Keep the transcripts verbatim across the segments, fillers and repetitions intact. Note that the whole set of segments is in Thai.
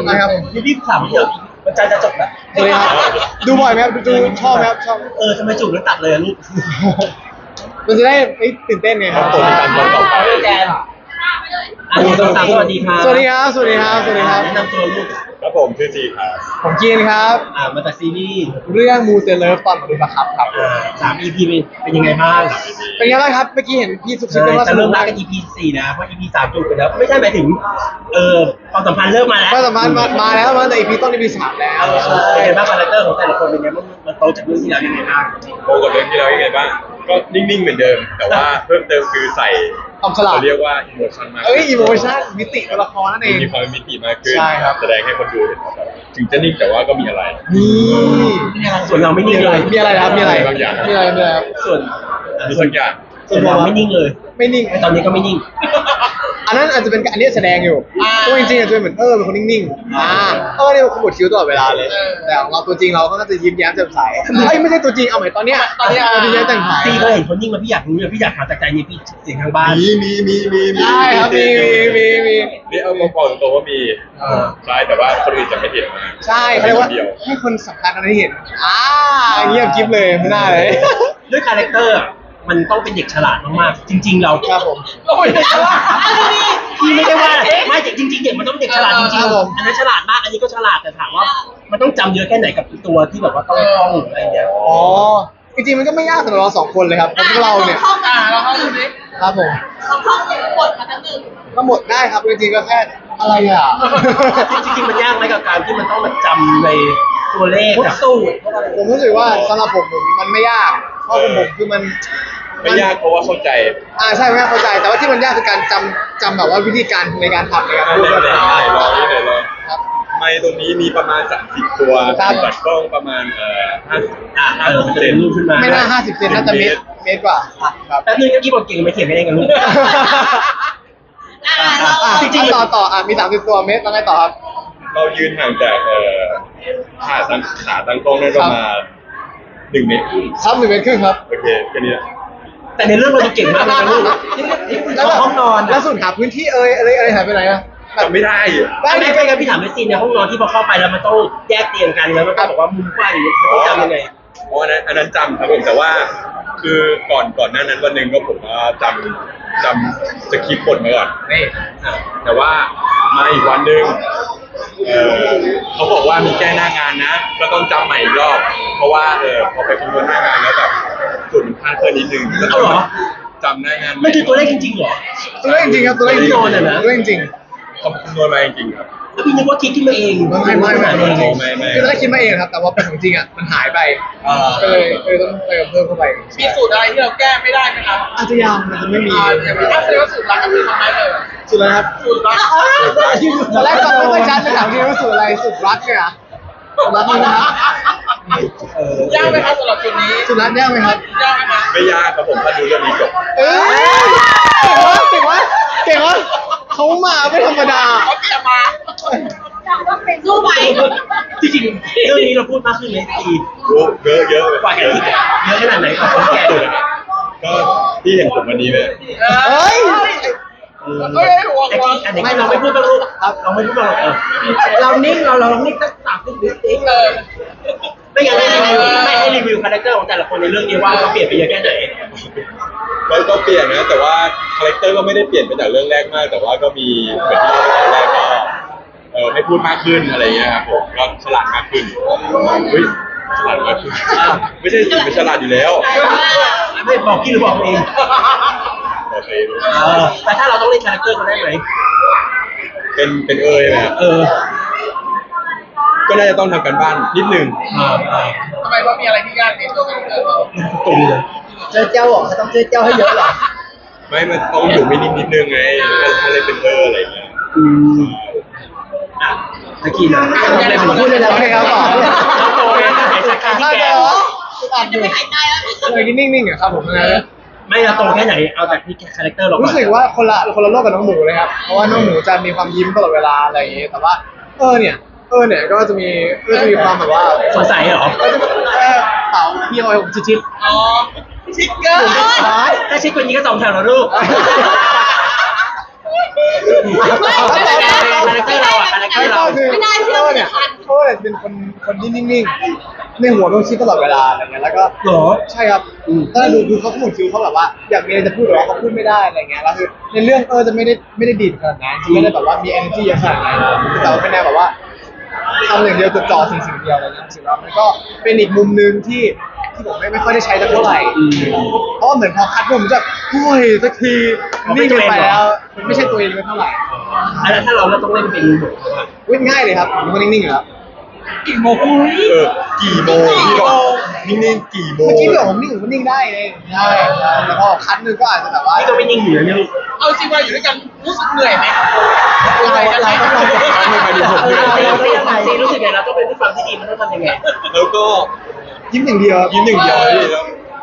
นะครับนี่พี่ถามเดี๋ยวมันใจจะจบแล้วสวัสดีครับดูบ่อยไหมครับดูชอบไหมครับชอบเออทำไมจูบแล้วตัดเลยลูกมันจะได้ตื่นเต้นไงครับผมการตอนต่อไปแกนอันนี้ต้องสามสวัสดีครับสวัสดีครับสวัสดีครับสวัสดีครับแนะนำตัวลูกครับผมชื่อจีครับผมจีนครับอ่ามาจากซีรีส์เรื่องมูเตเลิฟตอนมาดูประครับครับอ่าสาม อี พี เป็นเป็นยังไงบ้างเป็นไงบ้างครับเมื่อกี้เห็นพี่ซุกซิบใช่กันว่าสจะนุเริ่กมรัมาก กกัน อี พี สี่นะเพราะ อี พี สามจูบไปแล้วไม่ใช่หมายถึงเออความสัมพันธ์เริ่มมาแล้วก็สามารถมามาแล้วมาแต่อีพีต้นอีพีสามแล้วเออเป็นไงบ้างคาแรคเตอร์ของแต่ละคนเป็นไงบ้างมันโตจากเรื่องที่แล้วยังไงบ้างโตกับเรื่องที่แล้วยังไงบ้างก็นิ่งๆเหมือนเดิม แต่ว่าเพิ่มเติมคือใส่ความฉลาดเขาเรียกว่าอิโมชันมากเอ้ยอีโมชั่นมิติตัวละครนั่นเองมีความเป็นมิติมากขึ้นใช่ครับแสดงให้คนดูเห็นว่าแบบถึงจะนิ่งแต่ว่าก็มีอะไรนี่ส่วนเราไม่มีนิ่งอะเลไรยมีอะไรนะครับมีอะไรบางอย่างมีอะไรมีอะไรครับส่วนมีสักอย่างส่วนเราไม่นิ่งเลยไม่นิ่งไอตอนนี้ก็ไม่นิ่งอันนั้นอาจจะเป็นอันนี้แสดงอยู่ตัวจริงๆอาจจะเป็นเหมือนเออเป็นคนนิ่งๆอ่าเออเนี่ยขมวดคิ้วตลอดเวลาเลยแต่ของเราตัวจริงเราก็จะยิ้มแย้มแจ่มใสเอ้ยไม่ใช่ตัวจริงเอาใหม่ตอนเนี้ยตอนเนี้ยยิ้มแย้มแจ่มใสซีก็เห็นคนนิ่งมาพี่อยากรู้เลยพี่อยากถามจากใจนี่พี่เสียงทางบ้านมีมีมีมีมีใช่ครับมีมีมีมีนี่เอามาบอกตรงๆว่ามีเออใช่แต่ว่าคนอื่นจะไม่เห็นนะใช่เขาเรียกว่าเดียวให้คนสำคัญอันนี้เห็นอ่าเงียบกิ๊บเลยไม่น่าเลยด้วยคาแรคเตอร์อะมันต้องเป็นเด็กฉลาดมากๆจริง ๆ เราครับผมพี่ไม่ได้ว่าไม่จริงๆเด็กมันต้องเด็กฉลาดจริงครับผมๆอันนั้นฉลาดมากอันนี้ก็ฉลาดแต่ถามว่า มันต้องจำเยอะแค่ไหนกับตัวที่แบบว่าต้องท่องอะไรอย่างเงี้ยอ๋อจริงๆมันก็ไม่ยากสำหรับเราสองคนเลยครับเพราะพวกเราเนี่ยท่องมาเราท่องดูดิครับผมเราท่องบทมาทั้งหนึ่งก็หมดได้ครับจริงๆก็แค่อะไรอ่ะจริงๆมันยากไหมกับการที่มันต้องแบบจำในตัวเลขกับสูตรผมรู้สึกว่าสำหรับผมผมมันไม่ยากเพราะผมผมคือมันไม่ยากเพราะว่าเข้าใจอ่าใช่ไหมเข้าใจแต่ว่าที่มันยากคือการจำจำแบบว่าวิธีการในการทำในการได้พูดเลยแบบได้ลองนี่เลยลองครับไมค์ตรงนี้มีประมาณสามสิบตัวครับบัตรกล้องประมาณเอ่อห้าสิบอ่ะห้าเออสิบมันจะเซเป็น นรูปขึ้นมาไม่น่าห้าสิบเซนน่าจะเมตรเมตรกว่าครับแป๊บนึงเมื่อกี้บอกเก่งไม่เขียนไม่ได้กันลูกอ่าเราอ่ะจริงๆต่อต่ออ่ะมีสามสิบตัวเมตรแล้วไงต่อครับเรายืนห่างจากเอ่อขาตั้งขาตั้งกล้องได้ประมาณหนึ่งเมตรครับหนึ่งเมตรครึ่งครับโอเคแค่นี้นะแต่ในเรื่องเราดูเก่งมากเลยนะลูกแล้วแบบห้องนอนแล้วสุดหาพื้นที่เอ่ยอะไรอะไรหายไปไหนอะแบบจำไม่ได้อะได้ไม่ดิไม่งั้นพี่ถามในซีนในห้องนอนที่พอเข้าไปแล้วมันต้องแยกเตียงกันแล้วมันก็บอกว่ามุมกว้างอย่างนี้มันต้องจำยังไงเพราะอันนั้นอันนั้นจำครับผมแต่ว่า คือก่อนก่อนหน้านั้นวันหนึ่งก็ผมก็จำจำสคริปต์บทมาก่อนนี่อ่ะแต่ว่ามาอีกวันหนึ่งเออเขาบอกว่ามีแก้หน้างานนะ ก็ต้องจำใหม่อีกรอบ เพราะว่าเออพอไปคำนวณหน้างานแล้วแบบส่วนมันพลาดเพิ่มนิดนึงก็ต้องเอาเหรอจำหน้างานใหมันคือตัวเลขจริงๆเหรอตัวเลขจริงๆครับตัวเลขจริงตัวเลขจริงๆตัวเลขจริงเขาคำนวณมาจริงๆครับแล้วพี่นึกว่าคิดขึ้นมาเองไม่ไม่ไม่ไม่เองไม่ไม่คือตอนแรกคิดมาเองครับ แต่ว่าเป็นของจริงอ่ะมันหายไปก็เลยก็เลยต้องเติมเพิ่มเข้าไปมีสูตรอะไรที่เราแก้ไม่ได้ไหมครับอาจจะยังมันจะไม่มีอ่าอย่างถ้าแสดงว่าสูตรรักก็คือทำได้เลยสุดเลยครับสูตรรักตอนแรกฟังไม่ค่อยชัดเลยถามทีว่าสูตรอะไรสูตรรักเนี่ยเหรอสูตรรักนี่นะครับเออยากไหมครับสำหรับจุดนี้สูตรรักยากไหมครับยากไหมครับไม่ยากครับผมถ้าดูเรื่องนี้จบเอ้ยเก่งวะเก่งวะเก่งวะเขามาไม่ธรรมดาเขาเตรียมมาสู้ไปจริงๆเรื่องนี้เราพูดมากขึ้นไหมตีโอ้เยอะเยอะกว่าแกที่เยอะขนาดไหนกว่าคนแก่ก็ที่เห็นผมวันนี้เลยเฮ้ยเออเฮ้ยหัวไอ้หัวที่อันไหนเราไม่พูดบ้างลูกครับเราไม่พูดบ้างหรอกเออเรานิ่งเราเรานิ่งสักสามสิบวิสิเออไม่งั้นให้รีวิวไม่ให้รีวิวคาแรคเตอร์ของแต่ละคนในเรื่องนี้ว่าเขาเปลี่ยนไปเยอะแค่ไหนก็ก็เปลี่ยนนะ แต่ว่าคาแรคเตอร์ก็ไม่ได้เปลี่ยนไปจากเรื่องแรกมาก แต่ว่าก็มีเหมือนที่เราตอนแรกก็เออให้พูดมากขึ้นอะไรเงี้ยครับผมก็ฉลาดมากขึ้นเฮ้ยฉลาดมากขึ้นไม่ใช่สิเป็นฉลาดอยู่แล้วไม่บอกพี่หรือบอกเองโอเคเออแต่ถ้าเราต้องเล่นคาแรคเตอร์เขาได้ไหมเป็นเป็นเอยไหมครับเออก็น่าจะต้องทำกันบ้านนิดนึงอ่าอ่าทำไมว่ามีอะไรที่ยากในตัวกันเลยตรงเลยเจอเจ้าเหรอเขาต้องเจอเจ้าให้เยอะเหรอไม่มันต้องอยู่ไม่นิ่งนิดนึงไงถ้าถ้าเล่นเป็นเอออะไรเงี้ยอืมอ่ะตะกี้นะอะไรผมพูดเลยนะโอเคครับต่อแล้วโตเลยนะไอ้สักการที่ถ้าแกเจออัดอจะยู่ไม่หายใจแล้วเลยนิ่งๆอ่ะครับผมนะไม่เราโตแค่ไหนเอาจากที่คาแรคเตอร์เราก่อนรู้สึกว่าคนละคนละโลกกับน้องหมูเลยครับ เพราะว่าน้องหมูจะมีความยิ้มตลอดเวลาอะไรอย่างเงี้ยแต่ว่าเออเนี่ยเออเนี่ยก็จะมีก็จะมีความแบบว่าสงสัยเหรอก็จะเออเต่าพี่เอาไว้ผมชิดอ๋อชิคเกอร์ๆซ้ายถ้าชิดกว่านี้ก็สองแถวแล้วลูกไม่ไม่ได้คาแรคเตอร์เราอะคาแรคเตอร์เราไม่ได้เขาอะไรเป็นคนคนที่นิ่งๆในหัวเขาคิดตลอดเวลาอะไรเงี้ยแล้วก็หรอใช่ครับถ้าดูคือเขาขมุดคิ้วเขาแบบว่าอยากมีอะไรจะพูดแต่ว่าเขาพูดไม่ได้อะไรเงี้ยแล้วคือในเรื่องเออจะไม่ได้ไม่ได้ดีดขนาดนั้นจะไม่ได้แบบว่ามี energy เยอะขนาดนั้นแต่ว่าเป็นแนวแบบว่าทำอย่างเดียวจดจ่อสิ่งสิ่งเดียวอะไรเงี้ยรู้สึกว่ามันก็เป็นอีกมุมนึงที่ที่ผมไม่ไม่ค่อยได้ใช้สักเท่าไหร่เพราะว่าเหมือนพอคัดมุมมันจะโอ้ยสักทีนิ่งเกินไปแล้วมันไม่ใช่ตัวเองเลยเท่าไหร่แล้วถ้าเราเราต้องเล่นเป็นบทเขาอะวิ่งง่ายเลยครับผมเป็นคนนิ่งๆอยู่แล้วกี่โมงเออกี่โมงพี่บอกนิ่งๆกี่โมงเมื่อกี้พี่บอกผมนิ่งผมก็นิ่งได้เองใช่ใช่แต่พอคัดนึงก็อาจจะแบบว่านี่ก็ไม่นิ่งอยู่นะเนี่ยลูกเอาจริงว่าอยู่ด้วยกันรู้สึกเหนื่อยไหมเราเราต้องลองจัดการมันไปดูผมเอด้วอย เราเป็นยังไงซีรู้สึกไงเราต้องเป็นผู้ฟังที่ดีมันต้องทำยังไงแล้วก็ยิ้มอย่างเดียวยิ้มหนึ่งเดียวพี่แล้ว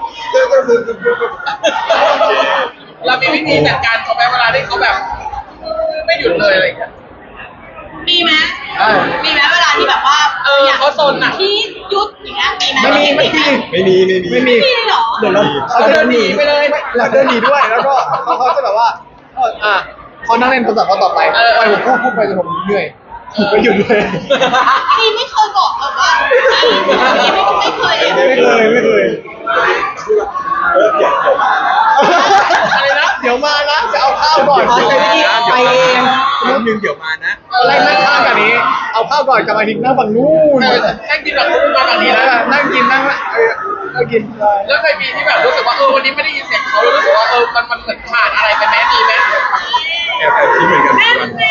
เรามีวิธีจัดการเขาไหมเวลาที่เขาแบบ ไม่หยุดเลยอะไรอย่างเงี้ยมีไหมอ่ามีไหมเวลาที่แบบว่าเออเขาซนอะที่ยุดอย่างเงี้ยมีไหมไม่มีไม่มีไม่มีไม่มีไม่มีมีเหรอเดี๋ยวเราเขาเดินหนีไปเลยเราเดินหนีด้วยแล้วก็เขาเขาจะแบบว่าอ่ะเขานั่งเล่นโทรศัพท์เขาต่อไปปล่อยผมพูดพูดไปจนผมเหนื่อยก็หยุดเลยมีไม่เคยบอกแบบว่ามีไม่ไม่เคยไม่เคยไม่เคยเออเดี๋ยวเดี๋ยวมาอะไรนะเดี๋ยวมานะจะเอาข้าวก่อนไปเองนิดนึงเดี๋ยวมานะอะไรนั่งข้างกันนี้ เอาข้าวก่อนกลับมาทิ้งนั่งฝั่งนู้นเออนั่งกินแบบทุกวันแบบนี้แล้วนะนั่งกินนั่งเออนั่งกินแล้วเคยมีที่แบบรู้สึกว่าเออวันนี้ไม่ได้ยินเสียงเขาแล้วรู้สึกว่าเออมันมันเหมือนขาดอะไรไปไหมมีไหมแอบแอบคิดเหมือนกันแน่ทุกวันแน่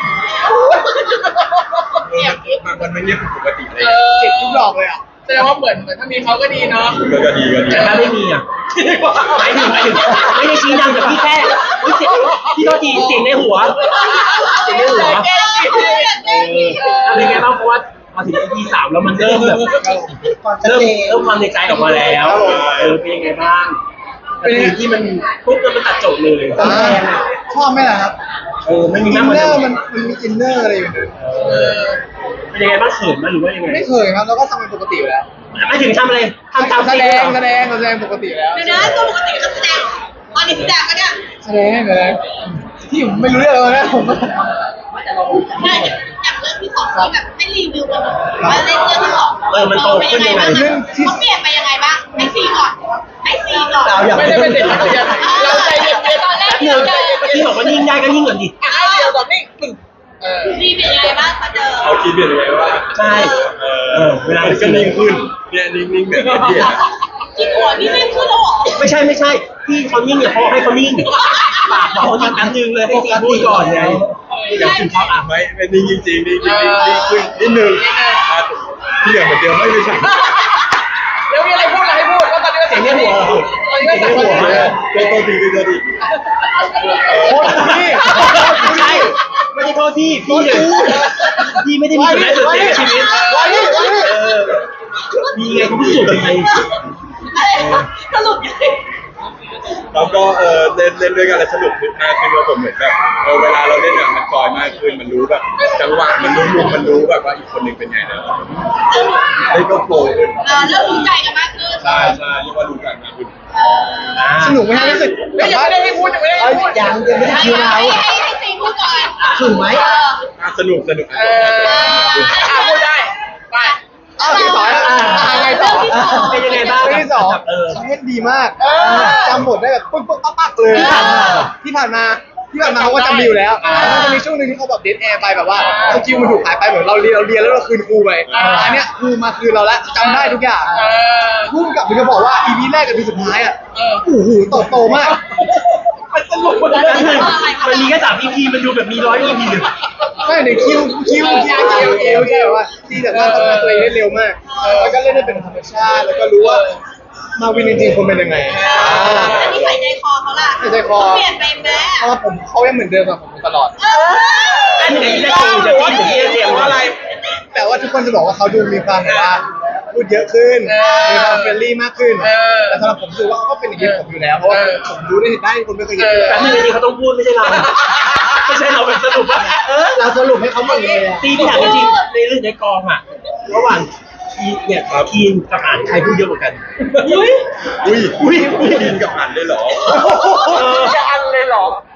บางวันมันเงียบผิดปกติเลยเออเจ็บทุกดอกเลยอ่ะแสดงว่าเหมือนเหมือนถ้ามีเขาก็ดีเนาะก็ก็ดีก็ดีแต่ถ้าไม่มีอ่ะหมายถึงหมายถึงไม่ได้ชี้นำแต่พี่แค่อุ๊ยเสียงพี่โทษทีเสียงในหัวเสียงในหัวแน่แน่แน่เป็นไงบ้างเพราะว่าพอถึง อี พี สามแล้วมันเริ่มแบบเริ่มเริ่มความในใจออกมาแล้วเออเป็นยังไงบ้างเป็นที่มันปุ๊บแล้วมันตัดจบเลยอ่าชอบไหมล่ะครับเออไม่มีอิน้ำนมันเนอร์มันมันมีอินเนอร์อะไรอยู่ในเออเป็นยังไงบ้างเขินไหมหรือว่ายังไงไม่เคยครับเราก็ทำเป็นปกติอยู่แล้วไม่ถึงทำอะไรทำตามแสซีดรีงส์แสดงแสดงปกติแล้วเดี๋ยวนะตัวปกติก็แสดงตอนนี้แสดงก็เนี่ยแสดงแสดงที่ผมไม่รู้เรื่องเลยนะผมได้อย่างเรื่องที่สองที่แบบให้รีวิวกันหน่อยว่าเล่นเรื่องที่สองเขาเปลี่ยนไปยังไงบ้างให้ซีก่อนให้ซีก่อนไม่ได้เป็นเด็กนักเรียนเราใจเย็นๆตอนแรกหนึ่งที่บอกว่านิ่งได้ก็นิ่งก่อนดิอ่ะเดี๋ยวก่อนนี่ปึ้งเออซีเป็นยังไงบ้างมาเจอเอาคิดเปลี่ยนยังไงว่าใช่เอเอออเวลาก็นิ่งขึ้นเนี่ยนิ่งๆแบบนี้ที่หัวนี่ไม่ขึ้นแล้วหรอไม่ใช่ไม่ใช่ที่เขานิ่งเนี่ยเพราะให้เขานิ่งปากบอกเขาแป๊บนึงเลยให้ซีพูดก่อนไงอย่างถึงเขาอ่ะไม่ไม่นิ่งจริงๆนิ่งจริงๆนิ่งขึ้นนิดนึงอ่ะที่เหลือเหมือนเดิมไม่ไม่ใช่แล้วมีอะไรพูดอะไรให้พูดแล้วตอนนี้ก็เสียงในหัวตอนนี้ก็เสียงในสั่งหัวมาก็ตัวดีก็ตัวดีโคตรพี่ไม่ใช่ไม่ได้โทษที่พี่เลยพี่ไม่ได้มีส่วนได้ส่วนเสียในชีวิตไว้นี่ไว้นี่เออมีไงคุณพิสูจน์ยังไงสรุปยังไงแล้วก็เออเล่นเล่นด้วยกันแล้วสนุกมากขึ้นว่าผมเหมือนแบบเออเวลาเราเล่นอ่ะมันจอยมากขึ้นมันรู้แบบจังหวะมันรู้มุมมันรู้แบบว่าอีกคนหนึ่งเป็นไงนะเล่นก็โปรขึ้นเออเริ่มรู้ใจกันมากขึ้นใช่ใช่เรียกว่ารู้กันมากขึ้นสนุกไหมฮะรู้สึกไม่แบบยังว่าไม่ได้ให้พูดยังไม่ได้ให้พูดยังยังไม่ได้ให้คิวเราให้ให้ซีพูดก่อนสนุกไหมเอออ่ะสนุกสนุกเอออ่ะพูดได้ไปอ้าวที่สองอ่ะอ่าไงต่อเป็นยังไงบ้างเรื่องที่สองเออเขาเล่นดีมากจำบทได้แบบปึ๊กปึ๊กปั๊กปั๊กเลยที่ผ่านมาที่ผ่านมาเขาก็จำดีอยู่แล้วแล้วจะมีช่วงหนึงที่เขาแบบเดทแอร์ไปแบบว่าสกิลมันถูกหายไปเหมือนเราเรียนเราเรียนแล้วเราคืนครูไปอันเนี้ยครูมาคืนเราแล้วจำได้ทุกอย่างเออพุ่งกลับมันจะบอกว่า อี พี แรกกับ อี พี สุดท้ายอ่ะเออโอ้โหโตโตมากมันสนุกมันมันมีแค่สาม อี พี มันดูแบบมีร้อย อี พี เลยไม่ในคิวคิวคิวคิวคิวใช่แบบว่าที่แบบว่าทำงานตัวเองได้เร็วมากแล้วก็เล่นได้เป็นธรรมชาติแล้วก็รู้ว่ามาวินจริงๆคนเป็นยังไงแล้วนิสัยใจคอเขาล่ะนิสัยใจคอเปลี่ยนไปไหมเพราะว่าผมเขายังเหมือนเดิมกับผมตลอดเอออันนี้จะตีจะตีจะตีเรียงว่าอะไรแต่ว่าทุกคนจะบอกว่าเขาดูมีความแบบว่าพูดเยอะขึ้นมีความเฟรนลี่มากขึ้นแต่สำหรับผมรู้สึกว่าเขาก็เป็นอย่างนี้ผมอยู่แล้วเพราะว่าผมรู้ได้ได้คนไม่เคยเห็นแต่ที่จริงเขาต้องพูดไม่ใช่เราไม่ใช่เราเป็นสรุปว่าเออเราสรุปให้เขาหมดเลยอ่ะตีที่ถามจริงๆในเรื่องในกองอ่ะระหว่างทีเนี่ยทีมกับอ่านใครพูดเยอะกว่ากันอุ้ยอุ้ยอุ้ยกินกับหันเลยเหรอจะอันเลยเหรอ นี่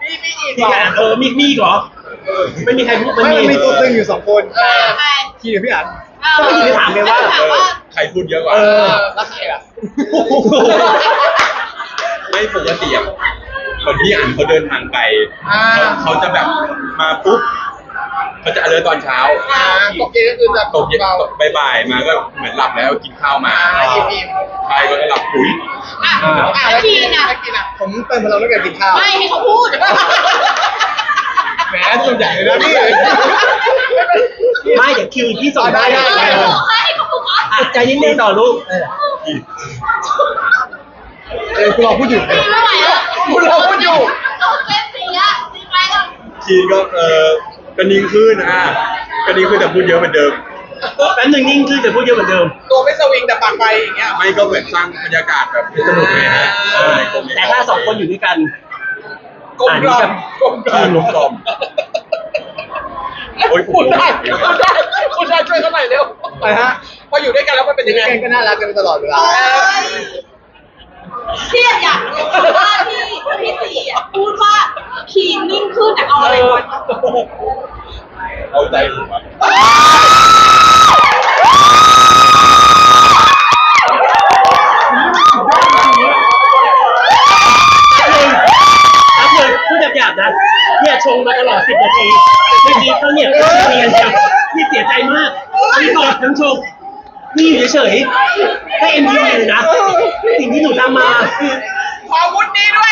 มีมีอีกพี่เหรออ่านเออมีมีเหรอไม่มีใครพูดไม่มันมีตัวตึงอยู่สองคนเออใครคีกับพี่อันก็ไม่ได้ถามเลยว่าถามว่าใครพูดเยอะกว่าเออแล้วใครอ่ะไม่ปกติอะคนที่อ่านเขาเดินทางไกลอ่าเขาเขาจะแบบมาปุ๊บเขาจะ alert ตอนเช้าอ่าตกเย็นก็คือจะตกเย็นเบาตกบ่ายๆมาก็เหมือนหลับแล้วกินข้าวมาอ่าอิ่มใช่ก็จะหลับปุ๋ยอ่ะอ่าอ่ะแล้วกินอ่ะแล้วกินอ่ะผมเติมพลังด้วยการกินข้าวไม่ให้เขาพูดแหมตัวใหญ่เลยนะพี่ไม่เดี๋ยวคิวที่ส่งได้ได้ได้เออให้เขาพูดก่อนอ่ะใจเย็นๆต่อลูกเออคุณรอพูดอยู่ไม่ไหวแล้วคุณเราพูดอยู่เล่นสีอะสีไปก่อนคีก็เออก็นิ่งขึ้นอ่ะก็นิ่งขึ้นแต่พูดเยอะเหมือนเดิมแป๊บหนึงนิ่งขึ้นแต่พูดเยอะเหมือนเดิมตัวไม่สวิงแต่ปากไปอย่างเงี้ยไม่ก็เหมือนสร้างบรรยากาศแบบสนุกเลยฮะเออในกรมนี้แต่ถ้าสองคนอยู่ด้วยกันกลมกล่อมกลมกล่อมกลมกล่อม โอ้ยพูดได้พูดได้พูดได้ช่วยเขาหน่อยเร็วไปฮะพออยู่ด้วยกันแล้วมันเป็นยังไงแกงก็น่ารักกันตลอดเวลาเอ้ยเครียดอยากรู้ว่าที่พี่สีอะพูดว่าคีนนิ่งขึ้นแต่เอาอะไรก่อนเอาใจผมอะแป๊บหนึงพูดหยาบๆนะเนี่ยชงมาตลอดสิบนาทีเมื่อกี้เขาเนี่ยเรียนจังนี่เสียใจมากนี่บอกทั้งชงนี่อยู่เฉยๆให้เอ็มดีเลยนะสิ่งที่หนูทำมาขอวุฒิดีด้วย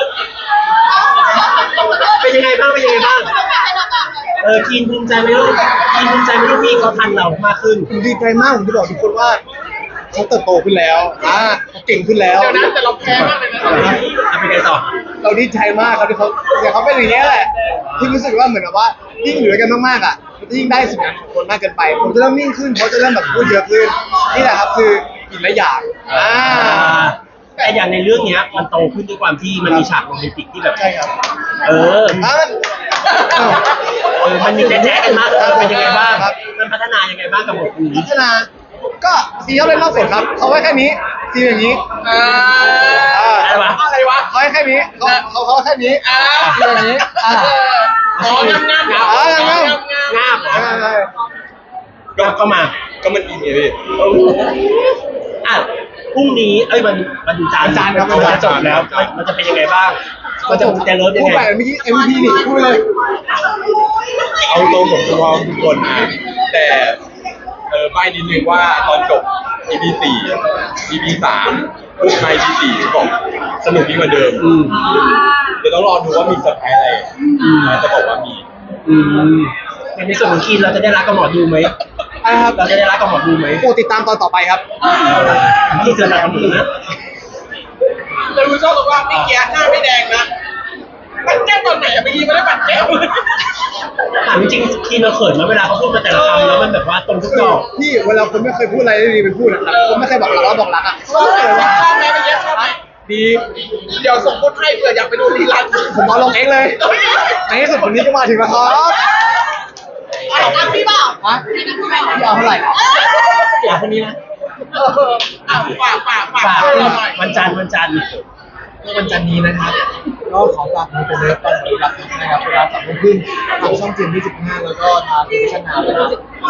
เป็นยังไงบ้างเป็นยังไงบ้างเออทีนภูมิใจไหมลูกทีนภูมิใจไหมลูกพี่เขาทันเรามากขึ้นผมดีใจมากผมจะบอกทุกคนว่าเขาเติบโตขึ้นแล้วอ่าเขาเก่งขึ้นแล้วเดี๋ยวนะแต่เราแพ้มากเลยนะเอาไปไงต่อเราดีใจมากครับที่เขาเดี๋ยวเขาเป็นอย่างนี้ยแหละที่รู้สึกว่าเหมือนกับว่ายิ่งอยู่ด้วยกันมากๆอ่ะมันจะยิ่งได้สิ่งนั้นของคนมากเกินไป ผมจะเริ่มนิ่งขึ้นเขาจะเริ่มแบบพูดเยอะขึ้นนี่แหละครับคืออีกหลายอย่างอ่าแต่อย่างในเรื่องเนี้ยมันโตขึ้นด้วยความที่มันมีฉากโรแมนติกที่แบบใช่ครับเอออ่าอ้าวเออมันมีแจ๊ะๆกันมากเออเป็นยังไงบ้างครับมันพัฒนายังไงบ้างกับบทนี้พัฒนาก็ซีเขาเล่นนอกสดครับเขาไว้แค่นี้ซีอย่างนี้อ่าอะไรวะอะไรวะเขาให้แค่นี้เขาเขาเขาแค่นี้อ่าซีอย่างนี้อ่าอ๋องามงามอ๋องามงาบเหรอใช่ใช่งาบเข้ามาก็มันอินไงพี่อ่ะพรุ่งนี้เอ้ยมันมันดูจานวันจันทร์ครับมันจะจบแล้วมันมันจะเป็นยังไงบ้างมันจะจะเลิฟยังพูดไงไปเมื่อกี้ เอ็ม วี พี นี่พูดไปเลยเอาตรงผมจะพร้อมทุกคนนะแต่เออใบ้นิดนึงว่าตอนจบ อี พี สี่ อี พี สามพูดมา อี พี สี่บอกสนุกยิ่งกว่าเดิมอืมเดี๋ยวต้องรอดูว่ามีเซอร์ไพรส์อะไรจะบอกว่ามีอืมในส่วนของคีนเราจะได้รักกับหมอดูไหมอะไรครับเราจะได้รักกับหมอดูไหมโปรดติดตามตอนต่อไปครับที่จะรักกับหมอดูนะแต่รู้ชอบตรงว่าพี่แกหน้าไม่แดงนะปัดแก้มตอนไหนอะเมื่อกี้ไม่ได้ปัดแก้มถามจริงๆคีนเราเขินไหมเวลาเขาพูดมาแต่ละคำแล้วมันแบบว่าตรงทุกคือดอกพี่เวลาคนไม่เคยพูดอะไรได้ดีไปพูดนะครับคนไม่เคยบอกรักแล้วบอกรักอ่ะชอบไหมชอบไหมเมื่อกี้ชอบไหมดีเดี๋ยวส่งพูดให้เผื่ออยากไปดูรีลันผมเอาลงเองเลยในที่สุดวันนี้ก็มาถึงแล้วครับอ่ะนับพี่เปล่าฮะนับพี่เปล่าพี่เอาเท่าไหร่อยากคนนี้นะเอออ่ะฝากฝากฝากฝากเราหน่อยวันจันทร์วันจันทร์วันจันทร์นี้นะครับก็ขอฝากมีเป็นเลิฟตอนบริการนะครับเวลาสามโมงครึ่งทางช่องจีนยี่สิบห้าแล้วก็ทางวิชั่นนาวนะครับ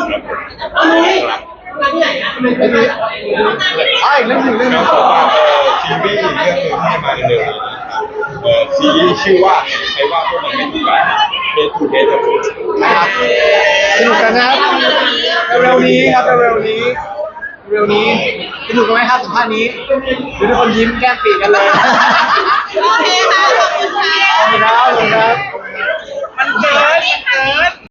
มาที่ไหนนะทำไมไม่ได้อ่าอีกเรื่องหนึ่งเรื่องหแล้นึวงขอฝากเอ่อซีรีส์เรื่องหนึ่งที่จะมาเร็วๆนี้นะครับเอ่อซีรีส์ชื่อว่าใครว่าพวกมันไม่ถูกกันเดททูเดทครับผมนะครับสนุกกันนะครับเร็วๆนี้ครับเร็วๆนี้เร็วๆนี้สนุกกันไหมครับสัมภาษณ์นี้ดูทุกคนยิ้มแก้มปีกันเลยโอเคค่ะ